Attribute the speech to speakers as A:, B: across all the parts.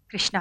A: కృష్ణ,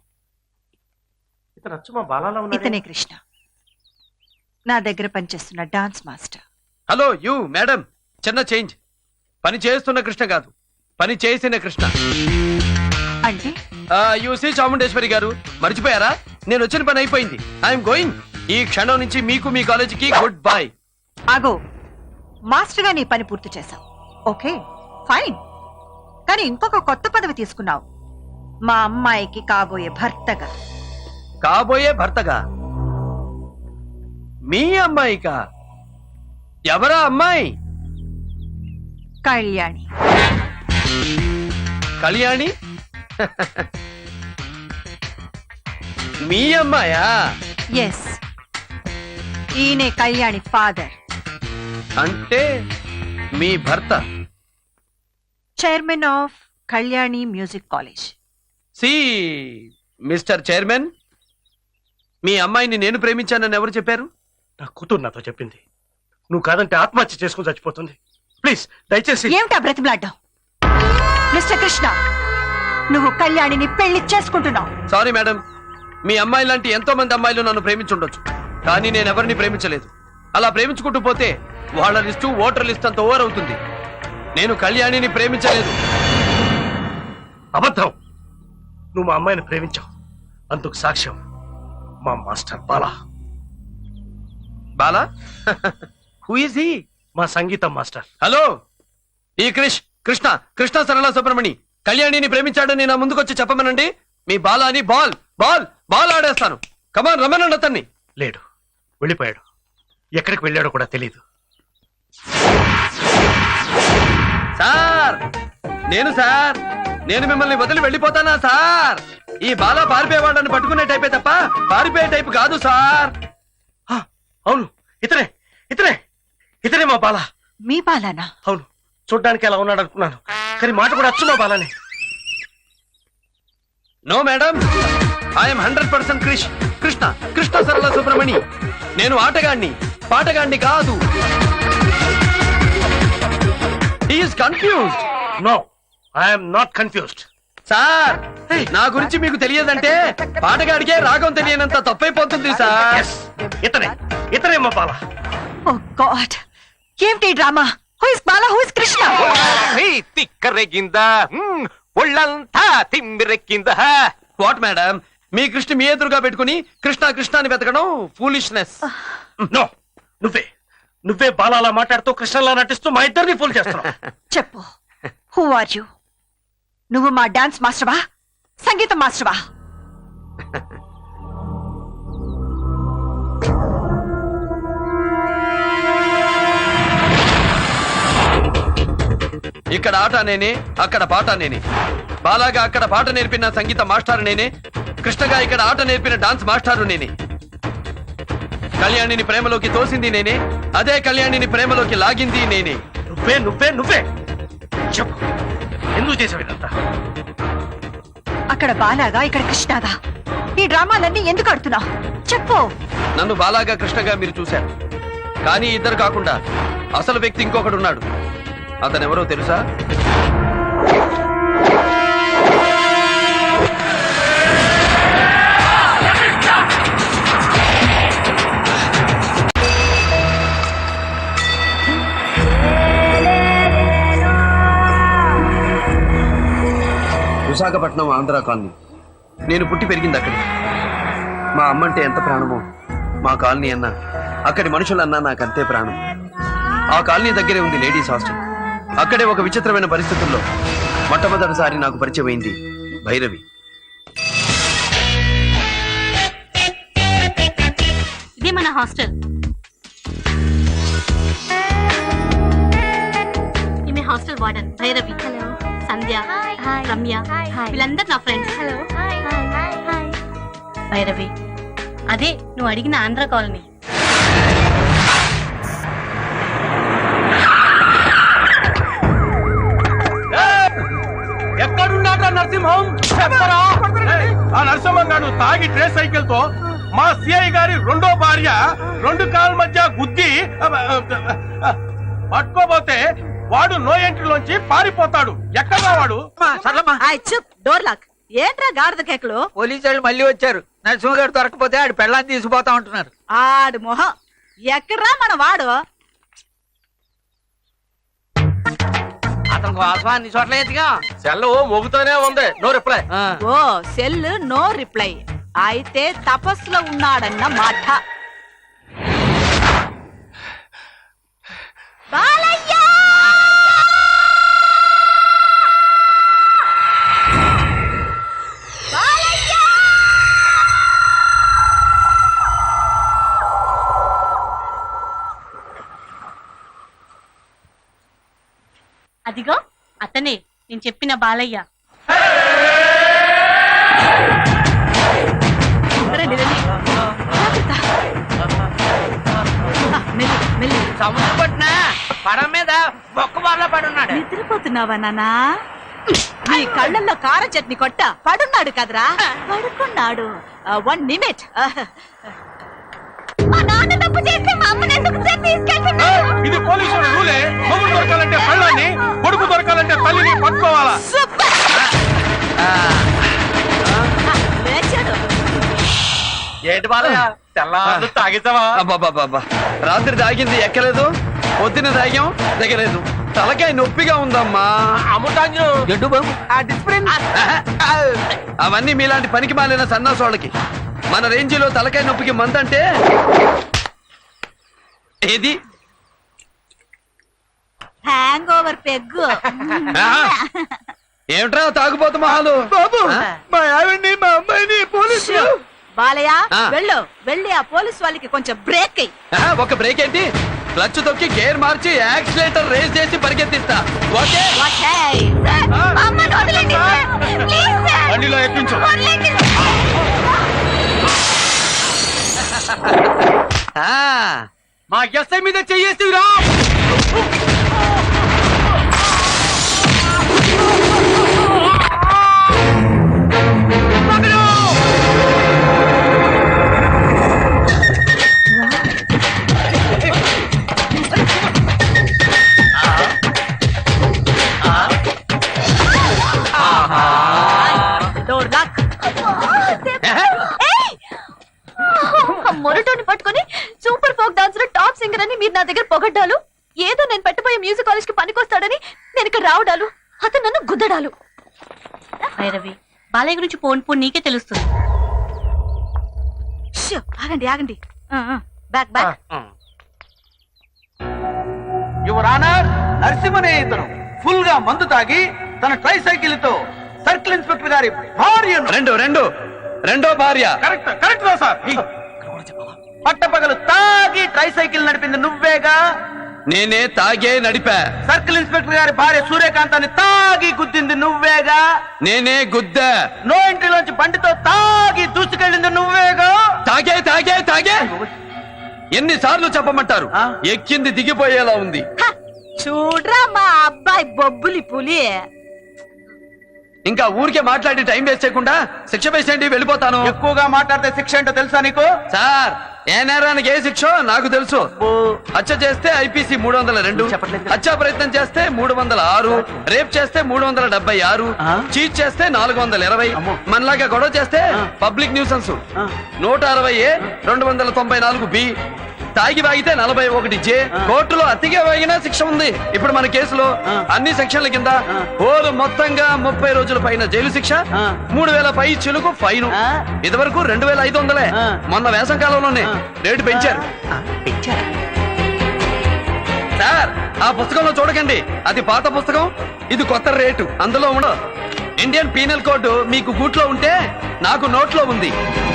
B: ఇతను అచ్చు మా బాలాలా ఉన్నాడే.
A: ఇతనే కృష్ణ, నా దగ్గర పనిచేస్తున్న dance master.
C: Hello you madam, చిన్న చేంజ్. పని చేస్తున్న కృష్ణ కాదు, పని చేసిన కృష్ణ.
A: అంటే
C: యూసీ చాముండేశ్వరి గారు, మర్చిపోయారా? నేను వచ్చిన పని అయిపోయింది. I'm going. ఈ క్షణం నుంచి మీకు మీ కాలేజీకి గుడ్ బై.
A: ఆగో, మాస్టర్ గా నీ పని పూర్తి చేశావు, ఓకే ఫైన్. కానీ ఇంకొక కొత్త పదవి తీసుకున్నావు, మా అమ్మాయికి కాబోయే భర్తగా.
C: కాబోయే భర్తగా? మీ అమ్మాయికా? ఎవరా అమ్మాయి?
A: కళ్యాణి.
C: కళ్యాణి? మీ అమ్మాయా?
A: ఎస్, ఈయనే కళ్యాణి ఫాదర్.
C: అంటే మీ భర్త
A: chairman of Kalyani music college.
C: See mister chairman, మీ అమ్మాయిని నేను ప్రేమించానని ఎవరు చెప్పారు?
B: నా కూతురు నాతో చెప్పింది. నువ్వు కాదంటే ఆత్మహత్య చేసుకుని చచ్చిపోతుంది. ప్లీజ్ దయచేసి.
A: ఏమిటా బ్రతిమలాడ్డావు? మిస్టర్ కృష్ణ, నువ్వు కళ్యాణిని పెళ్లి చేసుకుంటున్నావు.
C: సారీ మేడం, మీ అమ్మాయి లాంటి ఎంతో మంది అమ్మాయిలు నన్ను ప్రేమించుండొచ్చు, కానీ నేను ఎవరిని ప్రేమించలేదు. అలా ప్రేమించుకుంటూ పోతే వాళ్ళ లిస్టు ఓటర్ లిస్ట్ అంత ఓవర్ అవుతుంది. నేను కళ్యాణిని ప్రేమించలేదు.
B: అబద్ధం. నువ్వు మా అమ్మాయిని ప్రేమించావు. అందుకు సాక్ష్యం మా master Bala.
C: Bala? Who is he?
B: మా సంగీతం మాస్టర్.
C: హలో, ఈ కృష్ణ సరళ సుబ్రమణి కళ్యాణిని ప్రేమించాడని నా ముందుకొచ్చి చెప్పమనండి. మీ బాలాని బాల్ బాల్ బాల్ ఆడేస్తాను. కమాన్, రమ్మనండి అతన్ని.
B: లేడు, వెళ్ళిపోయాడు. ఎక్కడికి వెళ్ళాడో కూడా తెలియదు.
C: సార్, నేను మిమ్మల్ని వదిలి వెళ్ళిపోతానా సార్? ఈ బాలా పారిపోయేవాళ్ళని పట్టుకునే టైపే తప్ప పారిపోయే టైప్ కాదు సార్.
B: అవును, ఇతనే మా బాలా.
A: మీ బాలానా?
B: అవును, చూడ్డానికి ఎలా ఉన్నాడు అనుకున్నాను, కానీ మాట కూడా అచ్చు మా బాలానే.
C: No madam, I'm 100% Krishna Sarala Subramani. నేను ఆటగాణ్ణి, పాటగాణ్ణి కాదు. He is confused.
B: No, I'm not confused.
C: Sir, నా గురించి మీకు తెలియదంటే పాటగాడికే రాగం తెలియనంత తప్పైపోతుంది సార్.
B: Yes, ఇతనే మా బాలా.
A: ఓ గాడ్, ఏమిటి drama? Who is Bala, who is Krishna?
D: తిక్కరెగిందా, ఒళ్ళంతా తిమ్మిరెక్కిందా?
C: వాట్ మేడం, మీ కృష్ణ మీ ఎదురుగా పెట్టుకుని కృష్ణ అని వెతకడం ఫూలిష్నెస్.
B: నో, నువ్వే బాలాలా మాట్లాడుతూ కృష్ణలా నటిస్తూ మా ఇద్దరిని ఫూల్ చేస్తున్నావు.
A: చెప్పు, హూ ఆర్ యు? నువ్వు మా డాన్స్ మాస్టర్వా, సంగీతం మాస్టర్వా?
C: ఇక్కడ ఆట నేనే, అక్కడ పాట నేనే. బాలాగా అక్కడ పాట నేర్పిన సంగీత మాస్టారు నేనే, కృష్ణగా ఇక్కడ ఆట నేర్పిన డాన్స్ మాస్టారు నేనే. కళ్యాణిని ప్రేమలోకి తోసింది నేనే, అదే కళ్యాణిని ప్రేమలోకి లాగింది నేనే.
B: నువ్వే చెప్పు, ఎందుకు చేసావు ఇదంతా?
A: అక్కడ బాలాగా, ఇక్కడ కృష్ణగా. ఈ డ్రామాలన్నీ ఎందుకు ఆడుతున్నావు? చెప్పు.
C: నన్ను బాలాగా కృష్ణగా మీరు చూశారు, కానీ ఇద్దరు కాకుండా అసలు వ్యక్తి ఇంకొకడు ఉన్నాడు. అతనెవరో తెలుసా? విశాఖపట్నం ఆంధ్ర కాలనీ. నేను పుట్టి పెరిగింది అక్కడి. మా అమ్మంటే ఎంత ప్రాణమో మా కాలనీ అన్నా, అక్కడి మనుషులన్నా నాకంతే ప్రాణం. ఆ కాలనీ దగ్గరే ఉంది లేడీస్ హాస్టల్. అక్కడే ఒక విచిత్రమైన పరిస్థితుల్లో మొట్టమొదటిసారి నాకు పరిచయం అయింది భైరవి.
E: ఇదే మన హాస్టల్. ఈమె hostel warden Bhairavi. Hello. Sandhya, Ramya, వీళ్ళందరూ నా ఫ్రెండ్స్. హలో. భైరవి, అదే నువ్వు అడిగిన ఆంధ్ర కాలనీ.
B: ఎక్కడున్నాడు నరసింహం? ఆ నరసింహం గారు తాగి ట్రేస్ సైకిల్ తో మా సిఐ గారి రెండో భార్య రెండు కాళ్ళ మధ్య గుద్ది పట్టుకోబోతే వాడు నో ఎంట్రీలోంచి పారిపోతాడు. ఎక్కడ వాడు?
A: Door lock. ఏంట్రా గాడిద కేకలు?
F: పోలీసు వాళ్ళు మళ్ళీ వచ్చారు. నరసింహ గారు దొరకపోతే ఆడి పెళ్ళాన్ని తీసుకుపోతా ఉంటున్నారు.
A: ఆడు మొహం ఎక్కడ్రా మన వాడు?
C: అతని కోసం అన్ని చోట్ల ఎత్తిగా
D: సెల్ మోగుతూనే ఉంది, no reply.
A: Oh cell no reply. అయితే తపస్సులో ఉన్నాడన్న మాట. బాలయ్య! బాలయ్య!
E: అదిగో అతనే నేను చెప్పిన బాలయ్య.
A: రండి, రండి. జాగ్రత్త. మెల్లి, మెల్లి.
F: సముద్రం పట్టిన పడం మీద బొక్క బాగా పడున్నాడు.
A: నిద్రపోతున్నావా నాన్నా? నీ కళ్ళల్లో కార చట్నీ కొట్ట పడున్నాడు కదరా? పడుకున్నాడు. 1 నిమిట్. మా నాన్న తప్పు చేస్తే మా అమ్మని ఎందుకు తీసుకెళ్తున్నాడు?
B: ఇది పోలీసుల రూలే. మొగుడు దొరకాలంటే పళ్ళని, కొడుకు దొరకాలంటే తల్లిని పట్టుకోవాలా?
A: లేచాడు.
C: ఏంటి బాలయ్య
D: తెల్లారు తాగేసావా?
C: అబ్బాబాబా రాత్రి తాగింది ఎక్కలేదు, పొద్దున తాగాం దిగలేదు, తలకాయ నొప్పిగా ఉందమ్మా.
D: అమ్ముతాంజు
F: గడ్డు బాబు
C: అవన్నీ మీలాంటి పనికి మాలిన సన్నాసోళ్ళకి. మన రేంజిలో తలకాయ నొప్పికి మందంటే ఏది?
A: Hangover peg.
C: ఏమిట్రా తాగుపోతు మహాలు? బాబు
F: మా ఆవిడ్ని మా అమ్మాయిని పోలీసు.
A: బాలయ్య
C: ఆ.
A: వెళ్ళు, వెళ్ళి ఆ పోలీస్ వాళ్ళకి కొంచెం బ్రేక్ అయ్యి.
C: ఒక బ్రేక్ ఏంటి? క్లచ్ తొక్కి గేర్ మార్చి యాక్సిలేటర్ రేస్ చేసి పరిగెత్తిస్తా. ఓకే
B: బండిలో ఎక్కించు.
C: మా ఎస్ఐ మీద చెయ్యేసిరా.
G: మొరటోని పట్టుకొని super folk dancer top singer అని మీరు నా దగ్గర పొగడ్డాలు, ఏదో నేను పెట్టబోయే మ్యూజిక్ కాలేజ్ కి పనికొస్తాడని నేను ఇక్కడ రావడాలు, అతను నన్ను గుద్దడాలు.
E: భైరవి, బాలయ్య గురించి పోను నీకే తెలుస్తుంది.
A: షూ, ఆగండి ఆగండి. Back back.
F: యువర్ ఆనర్, నరసింహనే ఇతను ఫుల్ గా మందు తాగి తన ట్రై సైకిల్ తో సర్కిల్ ఇన్స్పెక్టర్ గారి భార్యను
C: రెండో భార్య.
B: కరెక్ట్ కరెక్ట్ రా సార్.
F: పట్టపగలు తాగి ట్రై సైకిల్ నడిపింది నువ్వేగా?
C: నేనే తాగే నడిపా.
F: సర్కిల్ ఇన్స్పెక్టర్ గారి భార్య సూర్యకాంతాన్ని తాగి గుద్దింది నువ్వేగా?
C: నేనే గుద్దా.
F: నో ఎంట్రీలోంచి బండితో తాగి దూసుకెళ్ళింది నువ్వేగా?
C: తాగే తాగే తాగే ఎన్నిసార్లు చెప్పమంటారు?
F: ఆ?
C: ఎక్కింది దిగిపోయేలా ఉంది.
A: చూడ్రా మా అబ్బాయి బొబ్బులి పులి.
C: ఇంకా ఊరికే మాట్లాడి టైం వేస్ట్ చేయకుండా శిక్ష వేసేయండి, వెళ్ళిపోతాను.
F: ఎక్కువగా మాట్లాడితే శిక్ష ఏంటో తెలుసా నీకు?
C: సార్, ఏ నేరానికి ఏ శిక్ష నాకు తెలుసు. హత్య చేస్తే ఐపీసీ 302, హత్యా ప్రయత్నం చేస్తే 306, రేప్ చేస్తే 376, చీట్ చేస్తే 420, మనలాగా గొడవ చేస్తే పబ్లిక్ న్యూసెన్స్ 160A, 294B, తాగి వాగితే 41J, కోర్టులో అతిగా వాగినా శిక్ష ఉంది. ఇప్పుడు మన కేసులో అన్ని సెక్షన్ల కింద ఓరు మొత్తంగా 30 రోజుల పైన జైలు శిక్ష, 3000 పై చిలుకు ఫైన్. ఇదివరకు 2500. మొన్న వేసవ కాలంలోనే రేటు పెంచారు. సార్, ఆ పుస్తకంలో చూడకండి, అది పాత పుస్తకం, ఇది కొత్త రేటు. అందులో ఉండదు. ఇండియన్ పీనల్ కోడ్ మీకు గూట్లో ఉంటే నాకు నోట్లో ఉంది.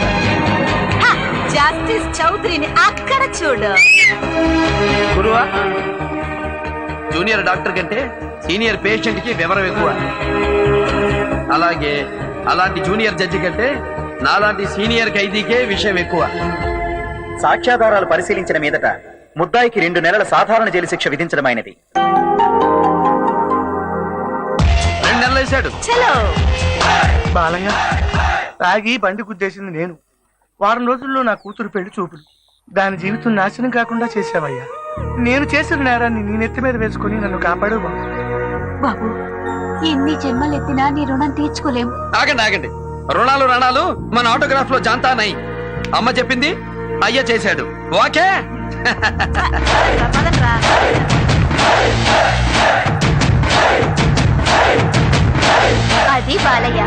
A: జస్టిస్ చౌదరిని అక్కడ చూడు.
C: గురువా, జూనియర్ డాక్టర్ కంటే సీనియర్ పేషెంట్ కి వివరం ఎక్కువ. అలాగే అలాంటి జూనియర్ జడ్జి కంటే నాలాంటి సీనియర్ ఖైదీకే విషయం ఎక్కువ.
H: సాక్ష్యాధారాలు పరిశీలించిన మీదట ముద్దాయికి 2 నెలల సాధారణ జైలు శిక్ష విధించడమైనది.
C: 2 నెలలు వేశాడు.
A: చలో.
B: బాలయ్య, తాగి బండి గుద్దేసింది నేను. వారం రోజుల్లో నా కూతురు పెళ్లి చూపులు. దాని జీవితం నాశనం కాకుండా చేశావయ్యా. నేను చేసిన నేరాన్ని నీ నెత్తి మీద వేసుకుని నన్ను కాపాడు బాబు.
A: బాబు,
G: ఎన్ని జన్మలు ఎత్తినా నీ రుణం తీర్చుకోలేం.
C: ఆగండి ఆగండి, రుణాలు మన ఆటోగ్రాఫ్ లో జాంతా నై. అమ్మ చెప్పింది అయ్య చేశాడు. ఓకే.
G: అది బాలయ్య.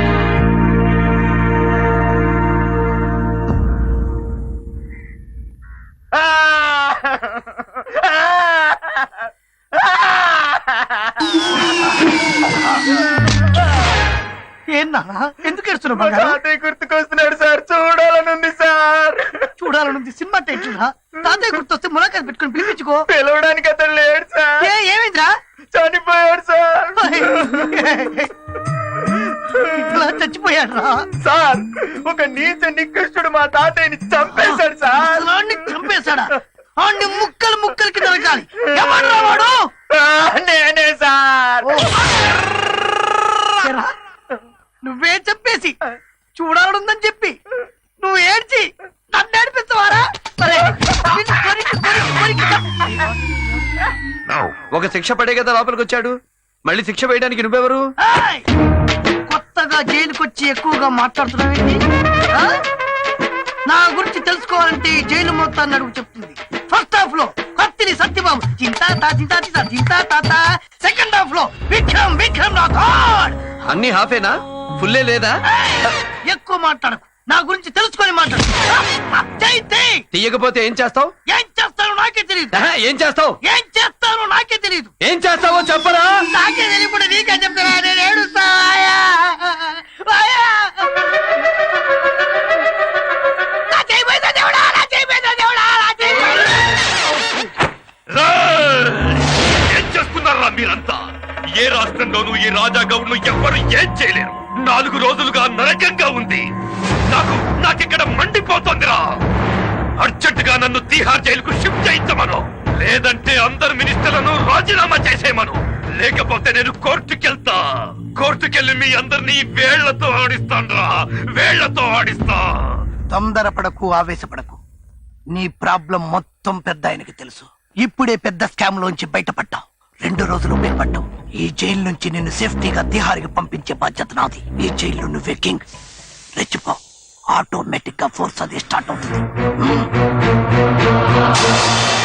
F: ఏందా ఎందుకు ఏడుస్తున్నావు బంగారం?
H: తాతయ్య గుర్తుకొస్తున్నాడు సార్, చూడాలనుంది సార్.
F: చూడాలనుంది సినిమా టైటిల్. తాతయ్య గుర్తొస్తే ములాఖాత్ పెట్టుకుని పిలిపించుకో.
H: పిలవడానికి అతను లేడు సార్.
F: ఏమైందిరా?
H: చనిపోయాడు సార్.
F: ఇట్లా చచ్చిపోయాడు రా
H: సార్. ఒక నీచ నికృష్టుడు మా తాతయ్యని చంపేశాడు సార్.
F: అసలు చంపేశాడా? అన్ని ముక్కలు ముక్కలకి దొరకాలి. ఎవడ్రా వాడు?
H: నేనే సార్.
F: ఏరా, నువ్వే చెప్పేసి చూడాలనుందని చెప్పి నువ్వు ఏడ్చి నన్ను ఏడిపిస్తావారా? సరే, నిన్ను కొరికి
C: ఒక శిక్ష పడే కదా లోపలికి వచ్చాడు, మళ్ళీ శిక్ష వేయడానికి నువ్వెవరు?
F: ఏయ్! కొత్తగా జైలుకొచ్చి ఎక్కువగా మాట్లాడుతున్నావేంటి? ఆ? నా గురించి తెలుసుకోవాలంటే ఈ జైలు మొత్తాన్ని అడుగు చెప్తుంది. ఫస్ట్ హాఫ్ లో కత్తిని సత్యబాబు చింతా తాత. సెకండ్ హాఫ్ లో విక్రమ్ రాథోడ్.
C: అన్ని హాఫేనా, ఫుల్లే లేదా?
F: ఎక్కువ మాట్లాడకు, నా గురించి తెలుసుకొని మాట్లాడు.
C: తీయకపోతే ఏం చేస్తావు?
F: ఏం చేస్తానో నాకే తెలియదు.
C: ఏం చేస్తావు?
F: ఏం చేస్తానో నాకే తెలియదు.
C: ఏం చేస్తావో చెప్పరా?
F: నాకే తెలియకుండా నీకే చెప్తారా? నేను ఏడుస్తా. ఆయా! ఆయా! నా చేయి పోయిందా దేవుడా? నా చేయి పోయిందా దేవుడా? నా చేయి పోయిందా?
B: ఏం చేస్తున్నారా మీరంతా? ఏ రాష్ట్రంలోనూ ఈ రాజా గౌడ్ను ఎవ్వరు ఏం చేయలేరు. 4 రోజులుగా నరకంగా ఉంది. నాకిక్కడ మండిపోతోందిరా. అర్జెంటుగా నన్ను తీహార్ జైలుకు షిఫ్ట్ చేయించమను, లేదంటే అందరు మినిస్టర్లను రాజీనామా చేసేయమను. లేకపోతే నేను కోర్టుకెళ్ళి మీ అందరినీ వేళ్లతో ఆడిస్తా.
F: తొందరపడకు, ఆవేశపడకు. నీ ప్రాబ్లం మొత్తం పెద్ద ఆయనకి తెలుసు. ఇప్పుడే పెద్ద స్కామ్ లోంచి బయటపడ్డావు. 2 రోజులు భయపడ్డావు. ఈ జైలు నుంచి నిన్ను సేఫ్టీగా తిహార్కి పంపించే బాధ్యత నాది. ఈ జైల్లో నువ్వే కింగ్. రెచ్చిపో, ఆటోమేటిక్ గా ఫోర్స్ అది స్టార్ట్ అవుతుంది.